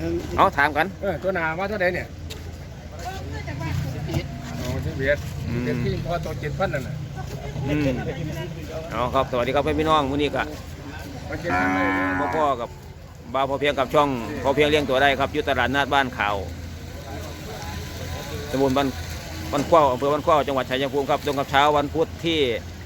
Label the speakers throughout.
Speaker 1: เอาถามกัน
Speaker 2: ตัวนาว่าเท่าไหร่เนี่ยโอ้ที่เบียดเป็นที่พอตัว7,000นั่นน่ะ
Speaker 1: เอาครับสวัสดีครับพี่น้องมื้อนี้ก็พ่อกับบ่าวพอเพียงกับช่องพอเพียงเลี้ยงตัวได้ครับอยู่ตลาดนัดบ้านข่าวตำบลบ้านขว้าวอำเภอบ้านขว้าวจังหวัดชัยภูมิครับตรงกับเช้าวันพุธที่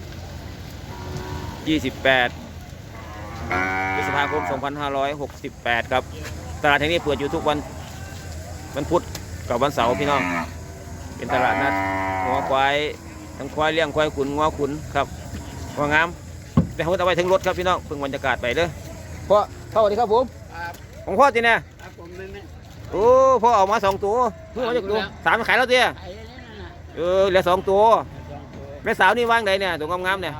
Speaker 1: 28 พฤษภาคม 2568 ครับตลาดแห่งนี้เปิดอยู่ทุกวันพุธกับวันเสาร์พี่น้องเป็นตลาดนัดงัวควายทั้งควายเลี้ยงควายขุนงัวขุนครับงัวงามแต่เขาเอาไว้ถึงรถครับพี่น้องเพิ่งบรรยากาศไปเด้อพ่อสวัสดีครับผมของพ่อจีเนี่ยโอ้พ่อออกมา2 ตัวเพิ่งมาจากตัว3ขายแล้วเตี้ยเหลือ2 ตัวแม่สาวนี่ว่างไหนเนี่ยตัวงามๆเนี่ย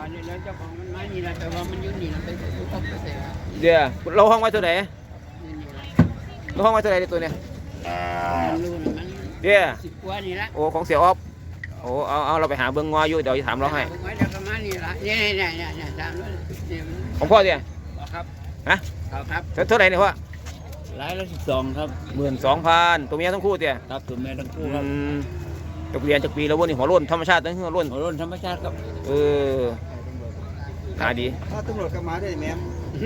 Speaker 1: เดี๋ยวเราห้องไว้ตัวไหนเราห้องไว้ตัวไหนตัวเนี่ยเดี๋ยว10 กว่านี่ละโอ้ของเสี่ยออฟโอ้เอาเราไปหาเบิ้งงออยู่เดี๋ยวจะถามเราให้ของพ่อเนี่ยครับฮะครับเท่าไหร่เนี่ยพ่อ
Speaker 3: รายละ12ครับ
Speaker 1: 12,000ตัวเมียทั้งคู่เตี้ย
Speaker 3: ครับตัวเมียทั้งคู่ครับ
Speaker 1: จบเรียนจากปีแล้ววันนี้หัวร่นธรรมชาติตั้งหัวร่
Speaker 3: นธรรมชาติครับ
Speaker 1: หาดี
Speaker 4: ถ้าตำรวจก็มาได้แม่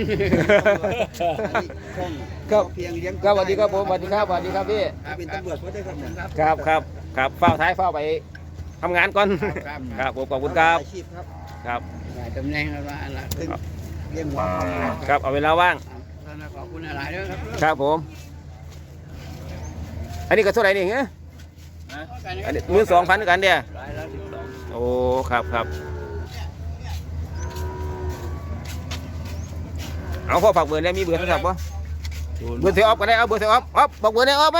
Speaker 1: ครับเพียงเลี้ยงครับสวัสดีครับผมสวัสดีครับสวัสดีครับพี่
Speaker 4: เป็นตำรวจเขาได้ครับ
Speaker 1: ครับเฝ้าท้ายเฝ้าไปทำงานก่อนครับผมขอบคุณครับครับ
Speaker 3: ตำแหน่งอะไรล่ะ
Speaker 4: เลี้ยงหัว
Speaker 1: ครับเอาเวลาว่าง
Speaker 3: ขอบคุณหลายด้วยครับ
Speaker 1: ครับผมอันนี้ก็เท่าไหร่นี่เงี้ย12,000ด้วยกันเดียโอ้ครับเอาพ่อฝากเบอร์ได้มีเบอร์โทรศัพท์ป่ะเบอร์เสียออฟก็ได้เอาเบอร์เสียออฟบอกเบอร์ได้ออฟไหม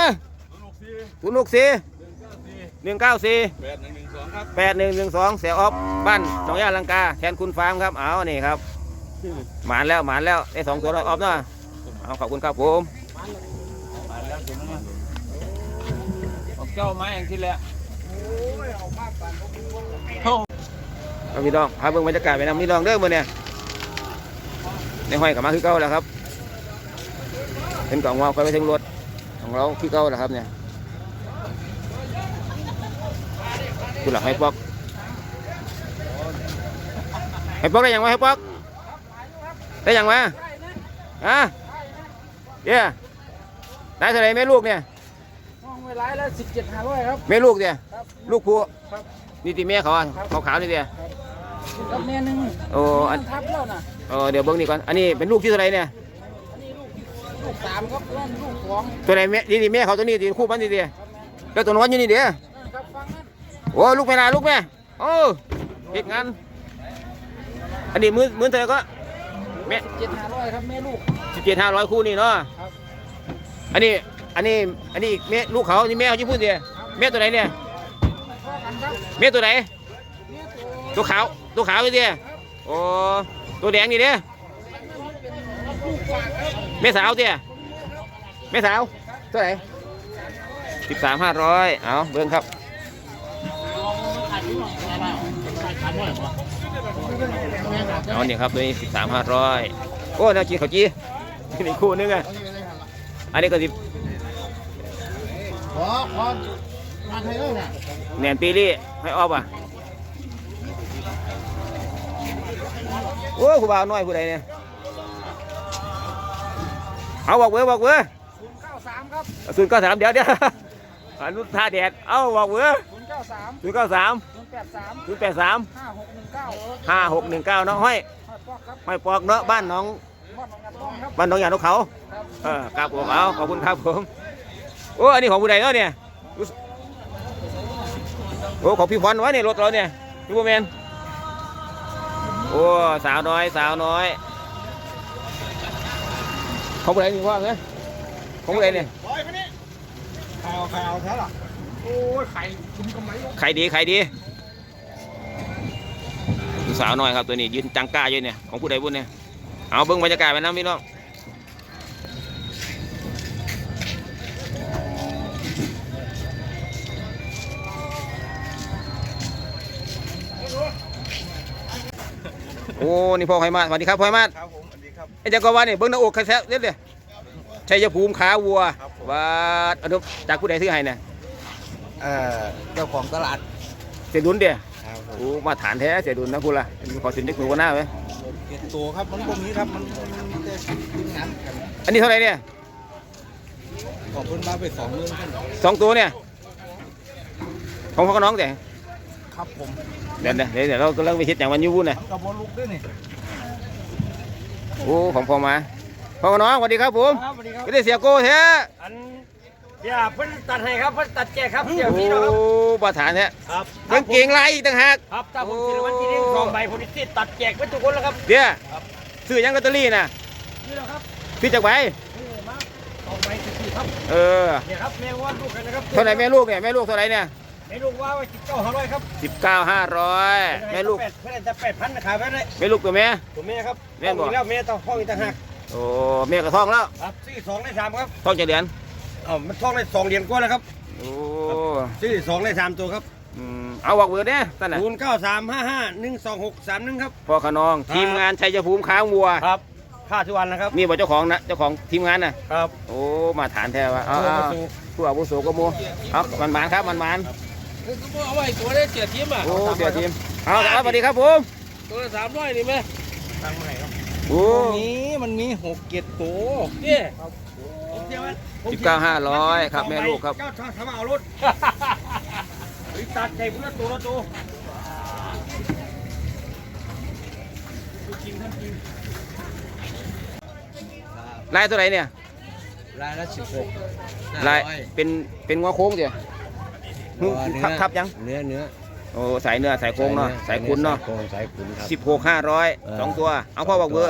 Speaker 1: 064 194 8112เสียออฟบ้านหนองยาลังกาแทนคุณฟาร์มครับเอานี่ครับหมานแล้วได้2 ตัวแล้วออฟเนาะเอาขอบคุณครับผม
Speaker 3: มาแล้วถึงแล้วออกเจ้าไม้อย่างที่แล้ว
Speaker 1: พี่น้องพาเบิ่งบรรยากาศไปนำพี่น้องเด้อมื้อเนี่ยในห้อยกลับมาคือเก่าแล้วครับเป็นกล่องวาวไปถึงรถของเราคือเก่าแล้วครับเนี่ยคุณหลักให้ปอกได้ยังไงให้ปอกได้ยังไงเดี๋ยวได้เท่าไรแม่ลูกเนี่ย
Speaker 2: ห้องเวลาแล้ว17,500ครับ
Speaker 1: แม่ลูกเนี่ยลูกผู้นี่ตีแม่เขาขาวนี่เดีย
Speaker 2: กับแม่นึง
Speaker 1: โอ้อัน
Speaker 2: ทับแล้วนะ
Speaker 1: เดี๋ยวเบิ้งนี่ก่อนอันนี้เป็นลูกที่เท่าไรเนี่ย
Speaker 2: อันนี้ลูก3ครับลูก2
Speaker 1: ตัวไหนแม่นี่แม่เขาตัวนี้ตีคู่มันนี่เดียแล้วตัวน้อยอยู่นี่เดียโอ้ลูกแม่นาลูกแม่โอ้เก็บงานอันนี้มื้อเธอก็
Speaker 2: แม่17,500ครับแม่ลูก
Speaker 1: 17,500คู่นี่เนาะอันนี้แม่ลูกเขานี่แม่เขาจะพูดเดียแม่ตัวไหนเนี่ยแม่ตัวไหนตัวขาวอยู่เดียโอ้ตัวแดงนี่เดียแม่สาวเดียแม่สาวตัวไหน13,500เอาเบิ้งครับเอาเนี่ยครับตัวนี้13,500โอ้น่ากินข้าวจี้นี่คู่นึงอ่ะอันนี้ก็
Speaker 4: ขอมาไทยเลยนะ
Speaker 1: แหนมปีรี่ให้ออฟอ่ะโอ้ผู้บ่าวน้อยผู้ใดเนี่ยเอาบอกเบอร์
Speaker 2: 093ครับ
Speaker 1: 093เดี๋ยวอนุท่าแดดเอาบอกเบอร์093 083 5619เนาะห้อยปอกเนาะบ้านน้องอย่างนกเขาครับผมเอาขอบคุณครับผมโอ้อันนี้ของผู้ใดเนาะเนี่ยโอ้ของพี่พรวะเนี่ยรถเราเนี่ยพี่ผู้แมนโอ้สาวน้อยของผู้ใดนี่ว่าไงของผู้ใดเนี่ย
Speaker 4: ข่าวแท้หรอ
Speaker 2: โอ้ยไข่คุ้มกำไร
Speaker 1: ไข่ดีสาวน้อยครับตัวนี้ยืนจังก้าอยู่เนี่ยของผู้ใดบุญเนี่ยเอาเบิ้งบรรยากาศไปนะพี่น้องโอ้นี่พ่อไข่มาสวัสดีครับพ่อไข่มา
Speaker 4: ครับผมสวัสดีครับ
Speaker 1: ไอ้เจ้าก็ว่านี่เบิ้งหน้าอกใครแซ่บเด็ดเลยชัยภูมิขาวัวว่าอนุจากผู้ใดซื้อให้เนี่ย
Speaker 4: เจ้าของตลาด
Speaker 1: เสียดุลเดีย
Speaker 4: ครับผม
Speaker 1: โอ้มาฐานแท้เสียดุลนะคุณล่ะขอสินได้หนูกันหน้าไหม
Speaker 4: เก็บตัวครับมันพวกนี้ครับมันมีแต่ทีมงานกัน
Speaker 1: อันนี้เท่าไหร่เนี่ย
Speaker 4: ขอบคุณมาไป2 มื้อขึ้น
Speaker 1: 2 ตัวเนี่ยของพ่อกับน้องแต่
Speaker 4: ครับผม
Speaker 1: เดี๋ยวเรากำลังไปเฮ็ดอย่างวันยูวุ้นน่ะ
Speaker 4: กับบอลลูกด้วยนี่
Speaker 1: โอ้ของพ่อมาพ่อกับน้องสวัสดีครับผม
Speaker 2: ครับสวัสดีครับ
Speaker 1: ไม่ได้เสียโก้แท้
Speaker 2: อันอย่าเพิ่นตัดให้ครับเพิ่นตัดแจกครับเดี๋ยว
Speaker 1: โอ้
Speaker 2: พี่นะครับ
Speaker 1: ประฐานแท้
Speaker 2: ครับ
Speaker 1: ยังเก่งไรอีกต่างหาก
Speaker 2: ครับถ้าผมกินรางวัลที่หนึ่ง2 ใบผมจะตัดแจกไว้ทุกคนแล้วครับ
Speaker 1: เดี๋ยวซื้อยังลอตเตอรี่น่ะ
Speaker 2: นี่แหละครับ
Speaker 1: ซื้อจากใบ
Speaker 2: นี่มา2 ใบ14ครับ
Speaker 1: เออ
Speaker 2: เนี่ยครับแม่ว่าลูกกันนะครับ
Speaker 1: เท่าไหร่แม่ลูกเนี่ยแม่ลูกเท่าไหร่เนี่ย
Speaker 2: แม่ลูกว่าไว้19,500ครับ
Speaker 1: 19,500แม่ลูก
Speaker 2: เพื่อนจะ8,000นะครับไว้เลย
Speaker 1: แม่ลูกตัวแม่
Speaker 2: ตัวแม่ครับ
Speaker 1: แม่บอก
Speaker 2: แล้วแม่ต้องท้องอีกต่างหาก
Speaker 1: โอ้แม่กระท้องแล้ว
Speaker 2: ครับซื้อ2ได้3ครับ
Speaker 1: ท้องจะเดือน
Speaker 2: มันท้องได้2 เดือนกว่าแล้วครับ
Speaker 1: โอ้
Speaker 2: ซื้อ2ได้3ตัวครับ
Speaker 1: เอาบอกเบอร์เนี่ยท่านน่ะ
Speaker 2: 0935512631ครับ
Speaker 1: พ่อขนองทีมงานชัยภูมิค้างวัว
Speaker 2: ครับค่าทุกวันนะครับ
Speaker 1: นี่บอกเจ้าของนะเจ้าของทีมงานน่ะ
Speaker 2: ครับ
Speaker 1: โอ้มาฐานแท้ว่ะเอา
Speaker 2: ผู้อา
Speaker 1: เอา
Speaker 2: วุโส
Speaker 1: ผู้อาวุโสก็มัวเอามันหมานครับมันหมาน
Speaker 2: เอาไว้ตัวได้เสียทีมอ่ะ
Speaker 1: โอ้เสียทีมเอาสวัสดีครับผม
Speaker 2: ตัวละ300นี่ไหมตังค์ใหม่ครับ
Speaker 1: โอ้
Speaker 4: มันมี6 7ตัว
Speaker 2: นี่ผมเสียมัน
Speaker 1: 19,500ครับแม่ลูกครับ
Speaker 2: เจ้าทำเอารถตัดใจเพื่อตัวละตัว
Speaker 1: ลายตัวไหนเนี่ย
Speaker 4: รายละ16
Speaker 1: ลายเป็นงัวโค้งเดียวทับยัง
Speaker 4: เนื้อ
Speaker 1: โอ้สายเนื้อสายโค้งเนาะสายคุณเนาะ
Speaker 4: โค้งสายคุณครับ
Speaker 1: 16,500 2 ตัวเอาพ่อบอกเบอร์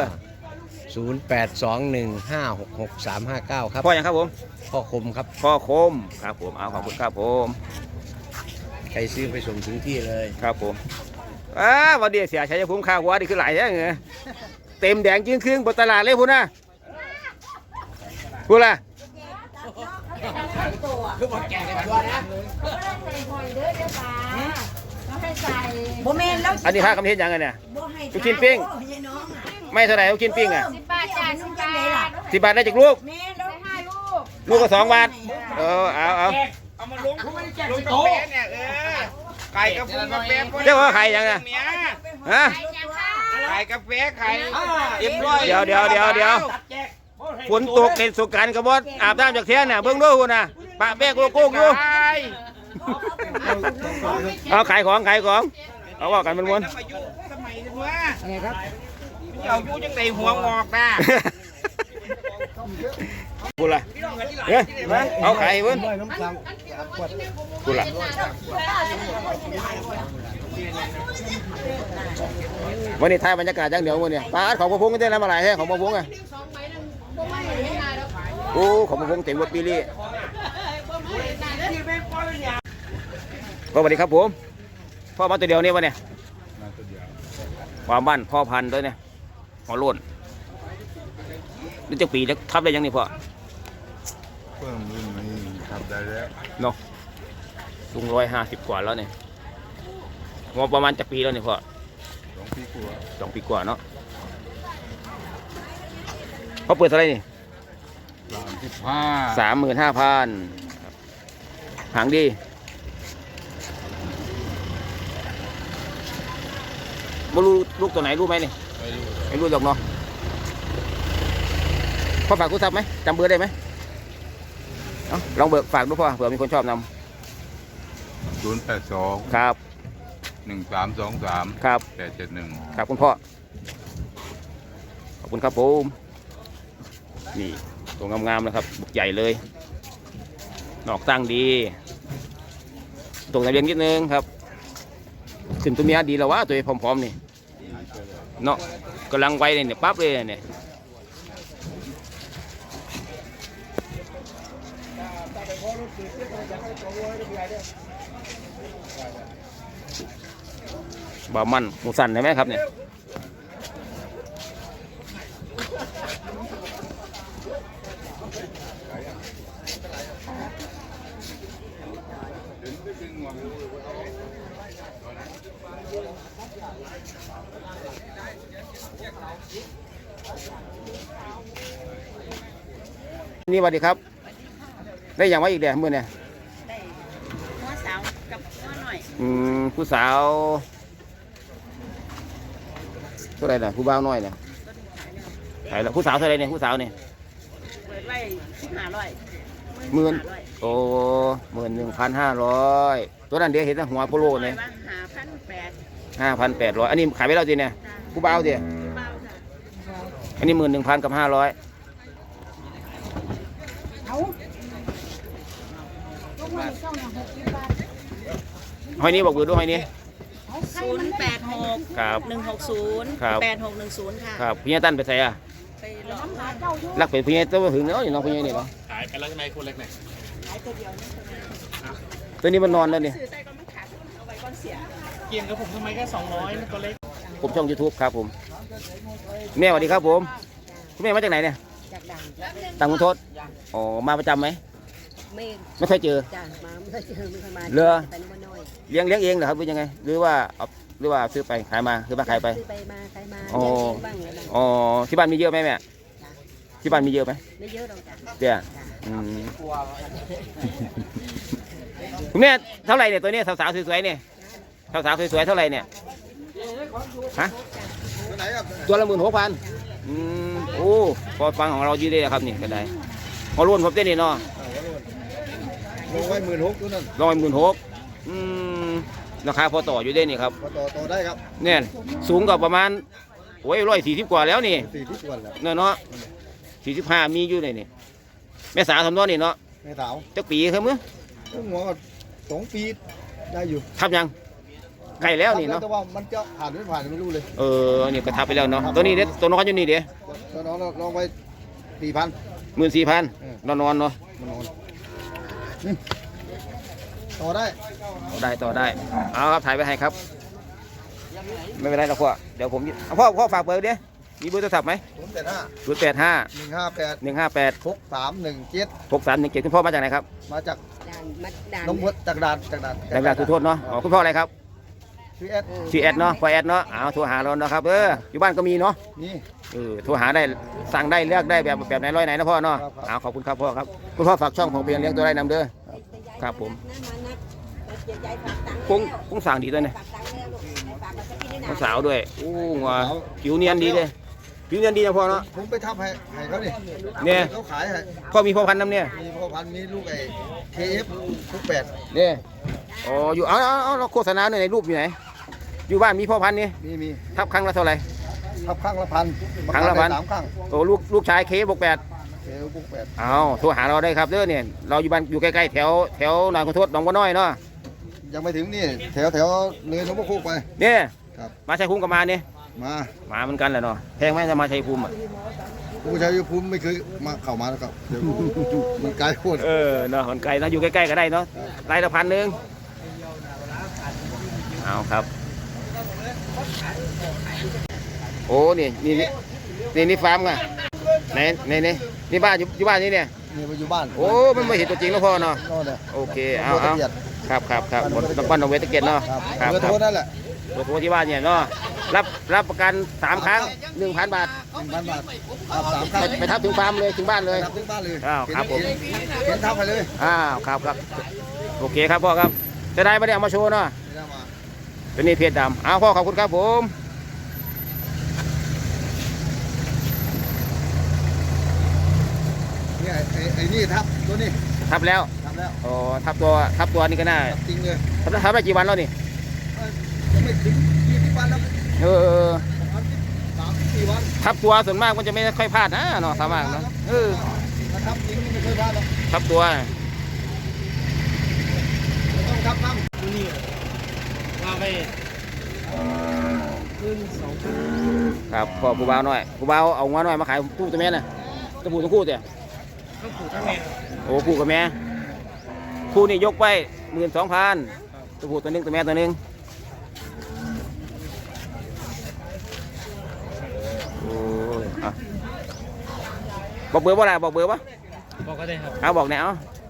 Speaker 4: 0821566359 ครับ
Speaker 1: พ่อยังครับผม
Speaker 4: พ่อคมครับ
Speaker 1: พ่อคมครับผมเอาขอบคุณครับผม
Speaker 4: ใครซื้อไปส่งถึงที่เลย
Speaker 1: ครับผมวันเดียวเสียชัยภูมิข้าววัวนี่คือหลายแท้เงยเต็มแดงจึงครึ่งบนตลาดเลยพูดนะพูดละ
Speaker 2: คือบอกแกกันตัวนะ
Speaker 5: บ่แม่นแล้ว
Speaker 1: อันนี้ค่าคำเทศยังไงเนี่ย
Speaker 5: บ่ให้
Speaker 1: ลูกชิ้นปิ้ง
Speaker 5: โอ้ยน้องอะ
Speaker 1: ไม่เท่าไหร่ลูกชิ้นปิ้งอ่ะ
Speaker 5: 10 บาทจ้านุ่งจังได๋ล่ะ
Speaker 1: 10 บาทได้จากลูก
Speaker 5: แม่นแล้ว5 ลูก
Speaker 1: ลูกก็2 บาทเอา
Speaker 2: เอามาลงลงโต๊ะเนี่ยไก่กาแฟกาแฟ
Speaker 1: เจ้าว่าใครยังไงฮะ
Speaker 2: ไก่กาแฟไข่เรียบร้อย
Speaker 1: เดี๋ยวฝนตกเห็นสงกรานต์กระบอกอาบน้ำจากเทียนน่ะเบิ่งดูคุณน่ะปะแป้งโลโก้อยู่เอาขายของเอาว่ากันมันม้วน
Speaker 2: สมัยว่าอะไรครับเอาอยู่จังไดหัวงอกนะ
Speaker 1: กูละเฮ้ยเอาไข่เพิ่นกูละวันนี้ถ่ายบรรยากาศจังเดี๋ยววันนี้ปลาของพระพงษ์ได้แล้วมาหลายแท้ของพระพงษ์อ่ะโอ้ของพระพงษ์เต็มรถปีลี่สวัสดีครับผมพ่อมาตัวเดียวนี่วะเนี่ยความบ้านพ่อพันธุ์ด้วยเนี่ยหัวโล้นนี่จะปีจะทับได้ยังนี่พ่อ
Speaker 6: เพิ่มรุ่นนี้ทำได้แล้ว
Speaker 1: เนาะลุง150 กว่าแล้วเนี่ยงอประมาณจะปีแล้วเนี่ยพ่อ
Speaker 6: 2 ปีกว่า
Speaker 1: 2 ปีกว่าเนาะเขาเปิดเท่าไหรนี่
Speaker 6: 35
Speaker 1: 35,000หางดีไม่รู้ลูกตัวไหนรู้ไหมนี่
Speaker 6: ไม่รู้
Speaker 1: ไม่รู้หรอกเนาะพ่อฝากกูทราบไหมจำเบอร์ได้ไหมเอาลองเบิกฝากดูพ่อเผื่อมีคนชอบน
Speaker 6: 082
Speaker 1: ำครับ
Speaker 6: 1323
Speaker 1: ครับ
Speaker 6: 871
Speaker 1: ครับคุณพ่อขอบคุณครับผมนี่ตัวงามๆนะครับบุกใหญ่เลยนอกตั้งดีตรงทะเบียนนิดนึงครับขึ้นตัวเมียดีแล้ววะตัวพร้อมๆนี่เนาะกำลังไวเลยเนี่ยปั๊บเลยเนี่ยบ่ามันหมูสันใช่ไหมครับเนี่ยนี่สวัสดีครับ ได้อย่างว่าอีกเดี๋ยวมือเนี่ย
Speaker 5: หัวสาวกับหัวหน่อย
Speaker 1: ผู้สาวเท่าไหรน่ะผู้บ่าวน้อยเนี่ยขายแล้วผู้สาวเท่าไหรเนี่ยผู้สาวเนี่ย
Speaker 5: เปิดไว้1500
Speaker 1: 10,000โอ้11,500ตัวนั้นเดี๋ยวเห็นแต่หัวโปโลเนี่ย 5,800อันนี้ขายไปแล้วจีเนี่ยผู้บ่าวจีอันนี้11,000 กับ 500หอยนี้บอกเบอร์ด้วยหอยนี้
Speaker 5: 086
Speaker 1: ครับ
Speaker 5: 160
Speaker 1: ครับ
Speaker 5: 8610 ค่ะ
Speaker 1: ครับพี่ยาตั้นไปใส่อะ
Speaker 5: ไปร้อง
Speaker 1: รักไปพี่ยาตัวถึงเนาะอย่างน้องพี่ยานี่เนาะ
Speaker 3: ขายไปแล้วใช่ไหมคนเล็กไหน
Speaker 1: ตัวนี้มันนอนแล้วเนี่ย
Speaker 5: ซื้อใส่ก็ไม่ขาดเอาไว้ก่อนเสีย
Speaker 3: เกี่ยงกับผมทำไมแค่200มันตัวเล็ก
Speaker 1: ผมช่อง YouTube ครับผมแม่สวัสดีครับผมคุณแม่มาจากไหนเนี่ย
Speaker 5: จากดัง
Speaker 1: ต่างมุนทศอ๋อมาประจำไหม
Speaker 5: ไม่
Speaker 1: ไม่เคยเจอ
Speaker 5: จ้ามาไม่เคยเจอไม่เคยมา
Speaker 1: เรือ
Speaker 5: ไปน้ำมันน้อย
Speaker 1: เลี้ยงเองเหรอครับหรือยังไงหรือว่าเอาหรือว่าซื้อไปขายมาซื้อมาขายไป
Speaker 5: ซื้อไปมาใครมา
Speaker 1: อ๋อ
Speaker 5: เลี้ยงเองบ้างอะไรบ้าง
Speaker 1: อ๋อที่บ้านมีเยอะไหมแม่ที่บ้านมีเยอะไหม
Speaker 5: ไม่เยอะหรอกจ้ะ
Speaker 1: เดี๋ยวคุณแม่เท่าไหร่เนี่ยตัวนี้สาวๆสวยๆเนี่ยสาวๆสวยๆเท่าไหร่เนี่ยฮะ
Speaker 4: ตัวไหนครับ
Speaker 1: ตัวละ16,000โอ้พอฟังของเราดีเลยครับนี่ก็ได้พอรุ่นผมเต้นนี่เนาะ
Speaker 4: ลงไว้16,000ตัวนั้น
Speaker 1: 16,000ราคาพอต่ออยู่ได้นี่ครับ
Speaker 4: พอต่อได้ครับ
Speaker 1: เนี่ยสูงกว่าประมาณโอ้ย140กว่าแล้วนี่
Speaker 4: 40วันแล้ว
Speaker 1: เนาะ45มีอยู่เลยนี่แม่สาวทำน้อนี่เนาะ
Speaker 4: แม่สาว
Speaker 1: จักปีครับมื้อ
Speaker 4: ต้องหัวก็2 ปีได้อยู่
Speaker 1: ทับยังใกล้แล้วนี่เนาะ
Speaker 4: แต่ว่ามันจะผ่านไม่ผ่านไม่รู้เลย
Speaker 1: นี่ก็ทับไปแล้วเนาะตัวนี้เด้ตัวน้อยอยู่นี่เด้
Speaker 4: แล้วน้องลองไว้4,000
Speaker 1: 14,000นอนเนาะ
Speaker 4: มันนอนต่อได้
Speaker 1: ต่อได้เอาครับถ่ายไปให้ครับไม่เป็นไรหรอกพ่อเดี๋ยวผมพ่อฝากเบอร์เด้มีเบอร์โทรศัพท์ไหม
Speaker 4: 085
Speaker 1: 085
Speaker 4: 158
Speaker 1: 158
Speaker 4: 6317
Speaker 1: 6317คุณพ่อมาจากไหนครับ
Speaker 4: มาจาก
Speaker 5: ด่านมัดด่าน
Speaker 4: น้องพดจากด่าน
Speaker 1: แรงๆทุกโทษเนาะคุณพ่ออะไรครับ
Speaker 4: ชื่อแอด
Speaker 1: ชื่อแอดเนาะพ่อแอดเนาะโทรหาเราเนาะครับอยู่บ้านก็มีเนาะ
Speaker 4: นี่
Speaker 1: โทรหาได้สั่งได้เลือกได้แบบไหนร้อยไหนนะพ่อเนาะ
Speaker 4: ครับ
Speaker 1: ขอบคุณครับพ่อครับคุณพ่อฝากช่องของเพียงเลี้ยงตัวไร่นำเด้อครับผมคงสั่งดีด้วยเนี่ยน้องสาวด้วยงัวผิวเนียนดีเลยผิวเนียนดีนะพ่อเนาะ
Speaker 4: ผมไปทับให้เขานี่
Speaker 1: เนี่ย
Speaker 4: เขาขายให้
Speaker 1: พ่อมีพ่อพันธุ์น้ำเนี่ย
Speaker 4: มีพ่อพันธุ์มีลูกไอ้ KF ทุก8
Speaker 1: เนี่ยอยู่เอาเราโฆษณาหน่อยในรูปอยู่ไหนอยู่บ้านมีพ่อพันธุ์นี่
Speaker 4: มี
Speaker 1: ทับครั้งละเท่าไหร่
Speaker 4: ทับข้างละพัน
Speaker 1: ครั้งละพัน
Speaker 4: 3ครั้ง
Speaker 1: ลูกชายเคบวก8
Speaker 4: KF ทุก8
Speaker 1: โทรหาเราได้ครับเด้อเนี่ยเราอยู่บ้านอยู่ใกล้ๆแถวหนองขอโทษหนองบัวน้อยเนาะ
Speaker 4: ยังไม่ถึงนี่แถวเลยหลวงพ่อคูกไป
Speaker 1: เนี่ย
Speaker 4: ครับ
Speaker 1: มาชัยภูมิก็มาเนี่ย
Speaker 4: มา
Speaker 1: เหมือนกันแหละเนาะแพงไหมจะมาชัยภูมิอ่ะ
Speaker 4: ผู้ชายภูมิไม่เคยมาเข้ามาแล้วครับเดี๋ยวมันไกลโคตร
Speaker 1: เนาะคนไกลนะอยู่ใกล้ๆก็ได้เนาะไร่ละ1,000เอาครับโอ้นี่ฟาร์มไงไหนนี่บ้านอยู่บ้านนี่เนี่ย
Speaker 4: นี่มาอยู่บ้าน
Speaker 1: โอ้มันไม่เห็นตัวจริงแล้วพ่อเนาะ
Speaker 4: นอนเนี่ย
Speaker 1: โอเคเอาครับบ้านหนองเวทเกตเนาะ
Speaker 4: ครับเบอร์โทรนั่นแหละ
Speaker 1: เบอร์โทรที่บ้านเนี่ยเนาะรับประกัน3 ครั้ง 1,000 บาท
Speaker 4: 1,000 บาทครับ3ครั้ง
Speaker 1: ไปทับถึงฟาร์มเลยถึงบ้านเลย
Speaker 4: ทับถึงบ้านเลย
Speaker 1: ครับผม
Speaker 4: เห็นทับไปเลย
Speaker 1: ครับโอเคครับพ่อครับจะได้ไม่ได้เอามาโชว์เนาะ
Speaker 4: ไม่ได้มา
Speaker 1: เป็นนี่เพจดำพ่อขอบคุณครับผม
Speaker 4: นี่ไอ้นี่ทับตัวนี้
Speaker 1: ทับแล้ว
Speaker 4: ทับแล้ว
Speaker 1: ทับตัวนี่ก็น่า
Speaker 4: ทับจริงเลย
Speaker 1: ทับได้กี่วันแล้วนี่
Speaker 4: ยังไม่ถึง20 วันแล้ว 3-4 วัน
Speaker 1: ทับตัวส่วนมากมันจะไม่ค่อยพลาดนะเนาะสามารถเนาะ
Speaker 4: ถ้าทับจริงนี่ไม่เคยพลาดหรอก
Speaker 1: ทับตัว
Speaker 4: ต้องทับซ้ำ
Speaker 3: นี่ว่าไป
Speaker 1: ครับพ่อผู้บ่าวน้อยผู้บ่าวเอางัวน้อยมาขายคู่ตัวแม่น่ะตัวผู้ตัวคู่เตี่ย
Speaker 3: ต้องผูกทั้งแม่
Speaker 1: คู่กับแม่คู่นี่ยกไป12,000ตัวผู้ตัวนึงตัวแม่ตัวนึงบอกเบอร์ว่าอะไรบอกเบอร์วะ
Speaker 3: บอกก็ได้ครับ
Speaker 1: บอกแนว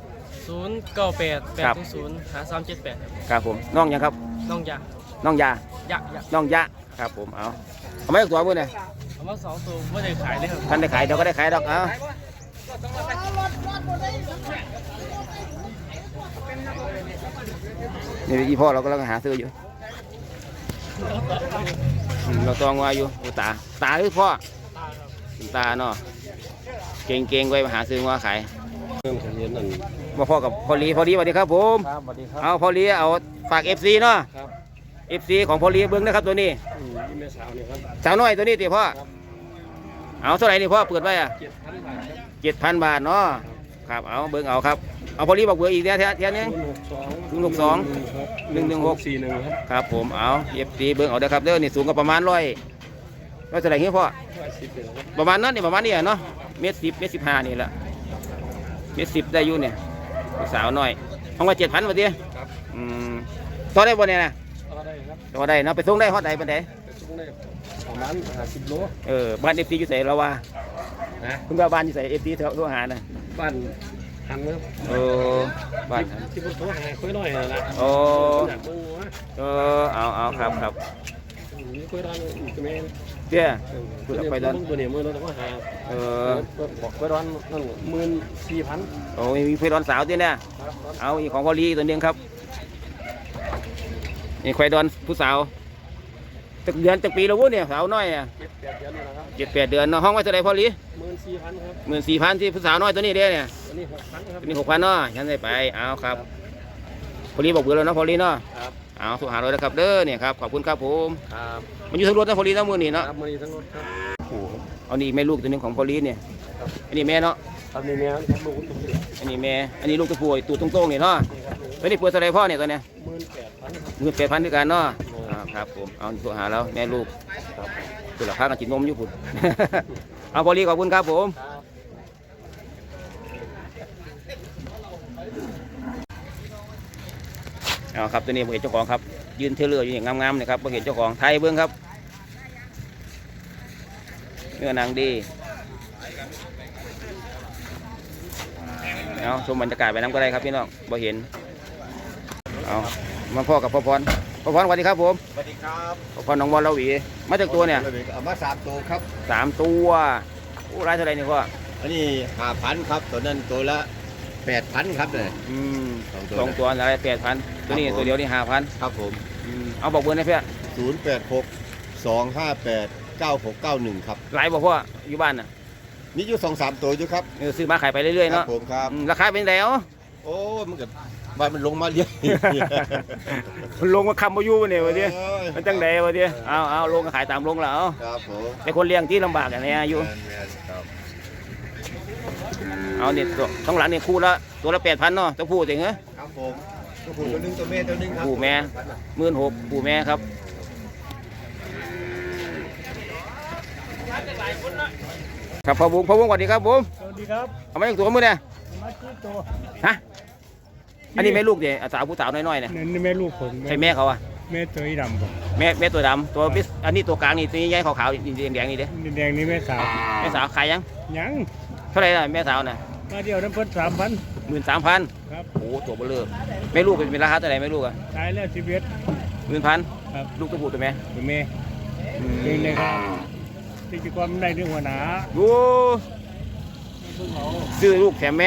Speaker 3: 098 800 5378
Speaker 1: ครับผมน้องยังครับ
Speaker 3: น้องยา
Speaker 1: น้องยา
Speaker 3: ยัก
Speaker 1: น้องยะครับผมเอาไม่ตัวมือเนี่ย
Speaker 3: เอามา2ตัวไม่ได้ขายเลยครับ
Speaker 1: ท่านได้ขายเดี๋ยวก็ได้ขายดอกนี่อีพ่อเรากำลังหาซื้ออยู่เราตองว่าอยู่ตาหรือพ่อตาเนาะเก่งไว้มาหาซื้อว่าขายมาพ่อกับพอลีสวัสดีครับผม
Speaker 3: ครับสวัสดีครับ
Speaker 1: เอาพอลีเอาฝาก FC เนาะ
Speaker 3: ครับ
Speaker 1: FC ของพอลีเบิ้งนะครับตัวนี้
Speaker 3: นี่แม่สาวเนี่ยครับ
Speaker 1: สาวน้อยตัวนี้ติพ่อเอาเท่าไหร่นี่พ่อเปิดไว้อะ
Speaker 3: 7,000 บาทครับ
Speaker 1: 7,000 บาทเนาะครับเอาเบิ้งเอาครับเอาพอลีบอกเบอร์อีกเทียนึง 062
Speaker 3: 116 41ครับ
Speaker 1: ครับผมเอา FC เบิ้งเอาเด้อครับเด้อนี่สูงก็ประมาณร้อยเท่าไหร่เงี้ยพ่อ
Speaker 3: 110เลยครับ
Speaker 1: ประมาณนั้นนี่ประมาณนี้เนาะ1.10 1.15นี่แหละ1.10ได้อยู่เนี่ยสาวน้อยห้องว่า7,000บาทดิ
Speaker 3: ครับ
Speaker 1: ต่อได้บ่เนี่ยนะ
Speaker 3: ก็ได้ครับ
Speaker 1: ต่อได้เนาะไปส่งได้ฮอดใดปานใด
Speaker 3: ไปส่งได้ประมาณ50 โล
Speaker 1: บ้าน FC อยู่ไสเราว่า
Speaker 3: นะ
Speaker 1: คุณว่าบ้านอยู่ไส FC โทรหาน่ะ
Speaker 3: บ้านหันครับ
Speaker 1: บ้าน
Speaker 3: ที่ผมโทรหาคุยหน่อยนะ อยากเบิ่งว่า
Speaker 1: เอาครับ
Speaker 3: มีคุยร้านอีกแม่
Speaker 1: เจ้า
Speaker 3: ตัวนี้มือเราต้องหาบอกคุยร้านนั่น14,000
Speaker 1: โอ้มีเพื่อนสาวที่เนี่ย
Speaker 3: ครับ
Speaker 1: เอาอีกของพอลีตัวนึงครับนี่ควายดอนผู้สาวตึกเดือนตึกปีแล้ววุ้นเนี่ยสาวน้อยเนี่ย
Speaker 3: 7-8 เดือนแล้วครับ
Speaker 1: 7-8 เดือนเนาะห้องไว้เท่าไรพอลี
Speaker 3: 14,000 ครับ
Speaker 1: 14,000ที่ผู้สาวน้อยตัวนี้เด้เนี่ย
Speaker 3: ตัวนี้6,000 ครับ
Speaker 1: ตัวนี้6,000เนาะฉันได้ไปเอาครับพอลีบอกเบื่อแล้วเนาะพอลีเนาะ
Speaker 3: ครับ
Speaker 1: เอาโทรหาเราเลยครับเด้อเนี่ยครับขอบคุณครับผม
Speaker 3: ครับ
Speaker 1: มันอยู่ทั้งรถทั้งพอลีทั้งมือนี่เนาะ
Speaker 3: ครับมือนี้ทั้งรถครับ
Speaker 1: เอานี่แม่ลูกตัวนึงของพอลีเนี่ยอันนี้แม่เนาะ
Speaker 3: ครับนี่เนี่ยครับลูกตุ้มนี่
Speaker 1: อันนี้แม่อันนี้ลูกตะปูตูตรงๆนี่เนาะตัวนี้เปิดเท่าไรพ่อเนี่ยตัวเนี้ย
Speaker 3: 18,000
Speaker 1: 18,000ด้วยกันเนาะครับผมเอาโทรหาเราแม่ลูก
Speaker 3: ครับ
Speaker 1: คือราคากันกินนมอยู่พุ่น เอาพอลีขอบคุณครับผม
Speaker 3: ครับ
Speaker 1: เอาครับตัวนี้ผมเห็นเจ้าของครับยืนเทเลอร์อยู่อย่างงามๆนะครับผมเห็นเจ้าของไทยเบิ้งครับเนื้อหนังดีเอาชมบรรยากาศไปน้ำก็ได้ครับพี่น้องบ่เห็นเอามาพ่อกับพ่อพรสวัสดีครับผม
Speaker 4: สวัสดีครับ
Speaker 1: พ่อพรน้องบอลเราหวีมาจากตัวเนี่ย
Speaker 4: เอามา3 ตัวครับ
Speaker 1: 3 ตัวโอ้รายเท่าไหรนี่พ่อ
Speaker 4: อันนี้5,000ครับตัวนั้นตัวละ8,000ครับเลย
Speaker 1: สองตัวอะไร8,000ตัวนี้ตัวเดียวนี่5,000
Speaker 4: ครับผม
Speaker 1: เอาบอกเบอร์ให้เพื่อน
Speaker 4: 086-258-9691ครับ
Speaker 1: หลายบอกพ่ออยู่บ้านน่ะ
Speaker 4: มีอยู่2-3 ตัวอยู่ครับ
Speaker 1: ซื้อมาขายไปเรื่อยๆ
Speaker 4: ครั
Speaker 1: เนาะ
Speaker 4: บผมครับ
Speaker 1: ราคาเป็นแล้ว
Speaker 4: โอ้มันก็บ้านมันลงมาเยอะ
Speaker 1: มันลงมาคำมาอยู่เนี่ยวะเดีย
Speaker 4: โอ้ย
Speaker 1: มันจังใดวะเดียเอาลงก็ขายตามลงแล้ว
Speaker 4: ครับผม
Speaker 1: แต่คนเลี้ยงที่ลำบากอย่างนี้อยู่
Speaker 4: แม่นๆครับ
Speaker 1: เอาเนี่ยตัวต้องหลังเนี่ยคู่ละตัวละ8,000เนาะต้องพูดเองเหรอ
Speaker 4: ครับผมตัวผู้ตัวหนึงตัวแม่ตัวหนึงครับ
Speaker 1: ผู้แม่16,000ผู้แม่ครับครับพ่อบุ้งสวัสดีครับบุ้ง
Speaker 3: สวัสดีครับ
Speaker 1: เอามาจากตัวมือเนี่ย
Speaker 3: มาที่ตัว
Speaker 1: ฮะอันนี้แม่ลูกเนี่ยสาวผู้สาวน้อยๆเนี่ย
Speaker 3: นี่แม่ลูกผม
Speaker 1: ใช่แม่เขาอะ
Speaker 3: แม่ตัวดำผม
Speaker 1: แม่ตัวดำตัวบิ๊กอันนี้ตัวกลางนี่ตัวนี้ใหญ่ขาวๆแดงๆนี่เด้
Speaker 3: แดงนี่แม่สาว
Speaker 1: แม่สาวขายยัง
Speaker 3: ยัง
Speaker 1: เท่าไหร่ล่ะแม่สาวน่ะ
Speaker 3: มาเดียวน้ำเพิ่น3,000
Speaker 1: 13,000
Speaker 3: ครับ
Speaker 1: โอ้ตัวเบลอแม่ลูกเป็นราคาเท่าไหร่แม่ลูกอะ
Speaker 3: ตายแล้ว11
Speaker 1: 10,000
Speaker 3: ครับ
Speaker 1: ลูกตัวผู้ตัวแม่
Speaker 3: เป็นแม่นี่นะครับที่จะความได้เรื่องหัวหน้า
Speaker 1: ดู
Speaker 3: เพิ่งเอา
Speaker 1: ซื้อลูกแถมแม่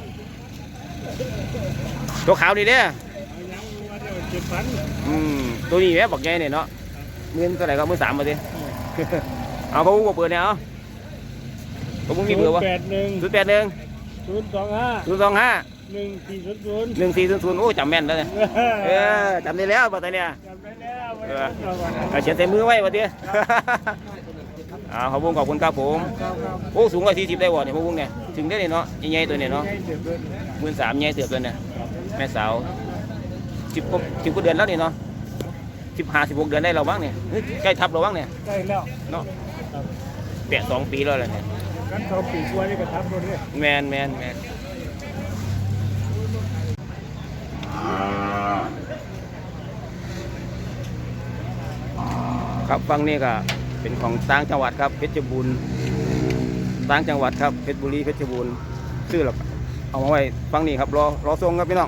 Speaker 1: ตัวขาวนี่เด้อ
Speaker 3: เอายังมาเดียว7,000
Speaker 1: ตัวนี้แม่บอกใหญ่เนี่ยเนาะเงินเท่าไหร่ก็13,000มาดิ เอาเขาบอกเบอร์เนี่ยเอาเขาบอกมีเบอร์วะ
Speaker 3: 081
Speaker 1: 081
Speaker 3: 025
Speaker 1: 025
Speaker 3: 1400
Speaker 1: 1400โอ้จำแม่นแล้วเนี่ยจำได้แล้วบัดเนี่ย
Speaker 3: จำได้แล้ว
Speaker 1: เอาเขียนใส่มือไว้บัดเนี่ยขอบคุณขอบคุณครับผมโอ้สูงกว่า40ได้บ่เนี่ยพวกบุ้งเนี่ยถึงได้เนี่ยเนาะใหญ่ๆตัวเนี่ยเนาะ13,000ใหญ่เสือบตัวเนี่ยแม่สาว10กว่าเดือนแล้วนี่เนาะ15-16 เดือนได้เราบ้างเนี่ยใกล้ทับเราบ้างเนี่ย
Speaker 3: ได้แล้ว
Speaker 1: เนาะแปะ2 ปีแล้วแหละเนี่ย
Speaker 3: กันเขาปีกว่านี่ก็ทับรถเลย
Speaker 1: แมนครับฝั่งนี้ก็เป็นของต่างจังหวัดครับเพชรบูรณ์ต่างจังหวัดครับเพชรบุรีเพชรบูรณ์ซื้อหรอกเอามาไว้ฝั่งนี้ครับรอส่งครับพี่น้อง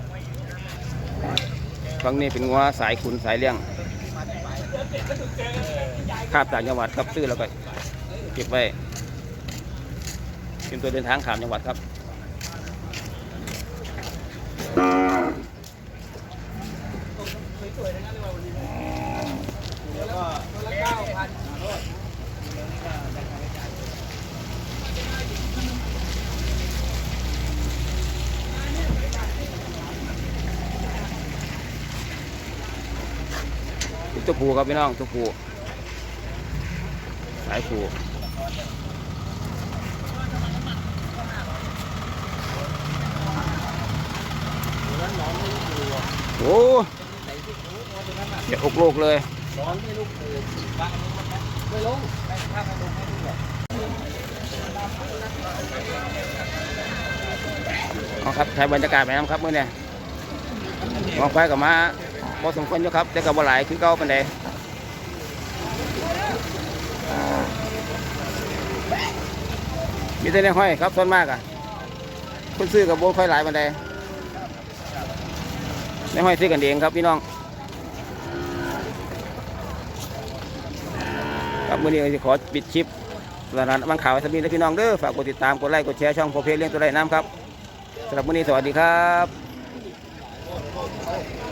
Speaker 1: ฝั่งนี้เป็นงัวสายขุนสายเลี้ยงคาบต่างจังหวัดครับซื้อแล้วก็เก็บไว้เป็นตัวเดินทางข้ามจังหวัดครับตัวผูครับพี่น้องตัวผูสายผูโอ้เดี๋ยวอกโลกเลยเอาครับถ่ายบรรยากาศไปน้ำครับเมื่อเนี่ยมองไปกับมาพอสมควรอยู่ครับแต่กับบ่หลายคือเก่าปานใดมีแต่ในห้อยครับส่วนมากอ่ะคนซื้อกับโบค่อยหลายปานใดในห้อยซื้อกันเองครับพี่น้องครับมื้อนี้จะขอปิดคลิปสถานบางข่าวสำนีและพี่น้องเด้อฝากกดติดตามกดไลค์กดแชร์ช่องโพเพเลี้ยงตัวไร่น้ำครับสำหรับมื้อนี้สวัสดีครับ